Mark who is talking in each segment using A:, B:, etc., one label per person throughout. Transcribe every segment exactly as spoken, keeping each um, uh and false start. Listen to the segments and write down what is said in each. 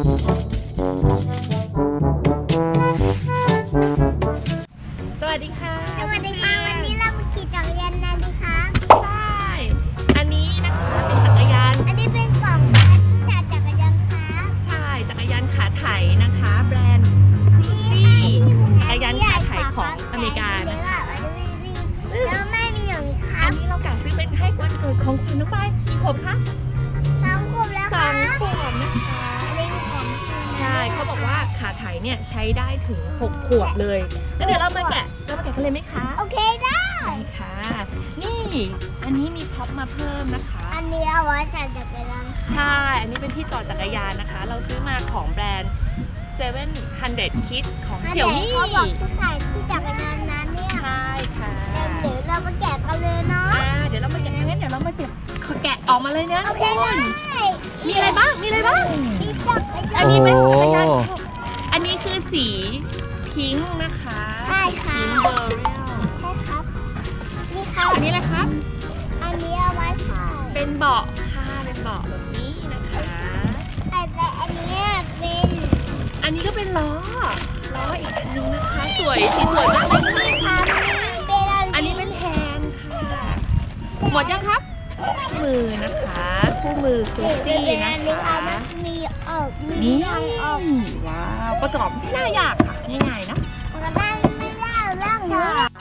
A: สวัสดีค่ะ
B: สวัสดีค่ะวันนี้เรามาขี่จักรยานกันดีคะ
A: ใช่อันนี้นะคะเป็นจักรยาน
B: อันนี้เป็นกล่องที่จัดจักรยานค่ะ
A: ใช่จักรยานขาไถนะคะแบรนด์ครูซี่จักรยานขาไถของอเมริกานะคะ
B: แล้วไม่มีอย่างนี้ค่ะ
A: อันนี้เรากะซื้อเป็นให้วันเกิดของคุณน้องไปกี่ขวบคะ
B: สองขวบแล้ว
A: สอ
B: ค่ะ
A: งขวบนะคะ
B: อันนี้เป็นของ
A: ใช่เขาบอกว่าขาไถเนี่ยใช้ได้ถึงหกขวบเลยแล้วเดี๋ยวเรามาแกะเรามาแกะกันเลยไหมคะ
B: โอเคได้
A: ได้ค่ะนี่อันนี้มีพ็อปมาเพิ่มนะคะ
B: อันนี้เอาไว้จัดจักรยาน
A: ใช่อันนี้เป็นที่จอดจักรยานนะคะเราซื้อมาของแบรนด์เซเว่นฮันเดรดคิดของเสี่ยวมี่
B: เขาบอกทุกสายที่จักรยานนั้นเนี่ย
A: ใช่ค่ะ
B: เดี๋ยวเรามาแกะกันเลยเนาะ
A: อ่าเดี๋ยวเรามาแกะงั้นเดี๋ยวเรามาแกะแกะออกมาเลยนะ
B: โอเคได้
A: มีอะไรบ้างมีอะไรบ้าง
B: มีจักรยาน
A: อันนี้เป็นจักรยานอันนี้คือสีพิงค์นะคะ
B: ใช่ค่ะ
A: พิงค์เบอร์เรียล
B: ใช่ครับนี่ครับ
A: อันนี้แหละครับ
B: อันนี้เอาไว้ค่ะ
A: เป็นเบาะค่ะเป็นเบาะแบบนี้นะคะ
B: แต่อันนี้เป็น
A: อันนี้ก็เป็นล้อล้ออีกอันนึงนะคะสวยสีสวยมากเลย
B: นี่ค่ะ
A: อันนี้เป็นแฮนด์ค่ะหมดยังครับคู่มือนะคะคู่มือครูซี่นะคะ
B: มีออกมี
A: นี่
B: ออก
A: ว้าวประกอบไม่น่ายากค่ะง่ายๆนะ
B: มันก็ได้ไม่ได้เรื่องเลย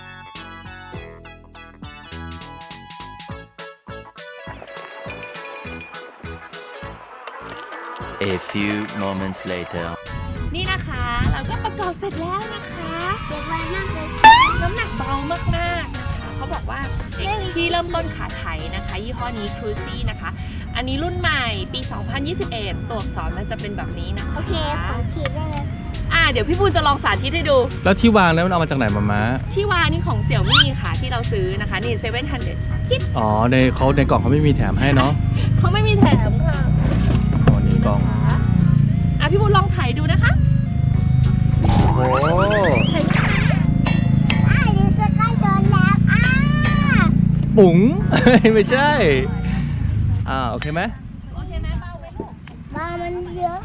C: A few moments later
A: นี่นะคะเราก็ประกอบเสร็จแล้วนะคะ
B: เด็กวัยมากเลย
A: น้ำหนักเบามากๆนะคะเขาบอกว่าเด็กที่เริ่มต้นขาไถนะคะยี่ห้อนี้ครูซี่นะคะอันนี้รุ่นใหม่ปีสองพันยี่สิบเอ็ดตัวอักษรมันจะเป็นแบบนี้นะคะ
B: โอเคขอขีดได้เลย
A: อ่าเดี๋ยวพี่ปูจะลองสาธิตให้ดู
D: แล้วที่วางนั้นมันเอามาจากไหนมาม้า
A: ที่วางนี่ของเสี่ยวมี่ค่ะที่เราซื้อนะคะนี่เซเว่นฮันเดรดคิด
D: อ๋อในเขาในกล่องเขาไม่มีแถมให้เนาะ
A: เขาไม่มีแถมค่ะ
D: อ๋อนี่กล่อง
A: อ่ะพี่ปูลองถ่ายดูนะคะ
D: โอ้
B: อ่าเดี๋ยวจะใกล้ชนแล้วอ่า
D: ปุ๋งไม่ใช่อ่าโอเคไหม
A: โอเคไหมเบาไหมลูก
B: บามันเยอะ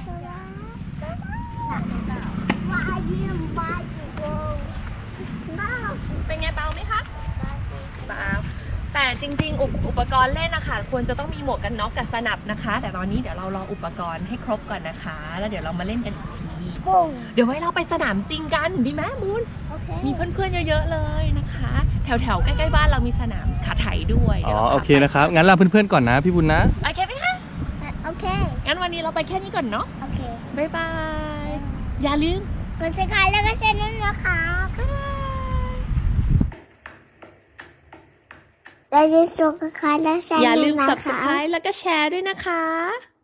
B: บาเยี่ยมบาจีโก้บ้า
A: เป็นไงเบาไหมคะเบาแต่จริงๆ อุปอุปกรณ์เล่นนะคะควรจะต้องมีหมวกกันน็อกกับสนับนะคะแต่ตอนนี้เดี๋ยวเรารออุปกรณ์ให้ครบก่อนนะคะแล้วเดี๋ยวเรามาเล่นกันอีกทีเดี๋ยวไว้เราไปสนามจริงกันดีไหมมูนมีเพื่อนๆเยอะๆเลยนะคะแถวๆใกล้ๆบ้านเรามีสนามขาไถด้วย
D: อ๋อโอเคนะครับงั้นลาเพื่อนๆก่อนนะพี่บุญนะ
A: โอเคไหมคะ
B: โอเค
A: งั้นวันนี้เราไปแค่นี้ก่อนเนาะ
B: โอเค
A: บ๊ายบายอย่าลืม
B: กดซับสไครบ์แล้วก็แชร์ด้วยนะคะอย่าลืม subscribe และแชร์
A: อย่าลืม subscribe แล้วก็แชร์ด้วยนะคะ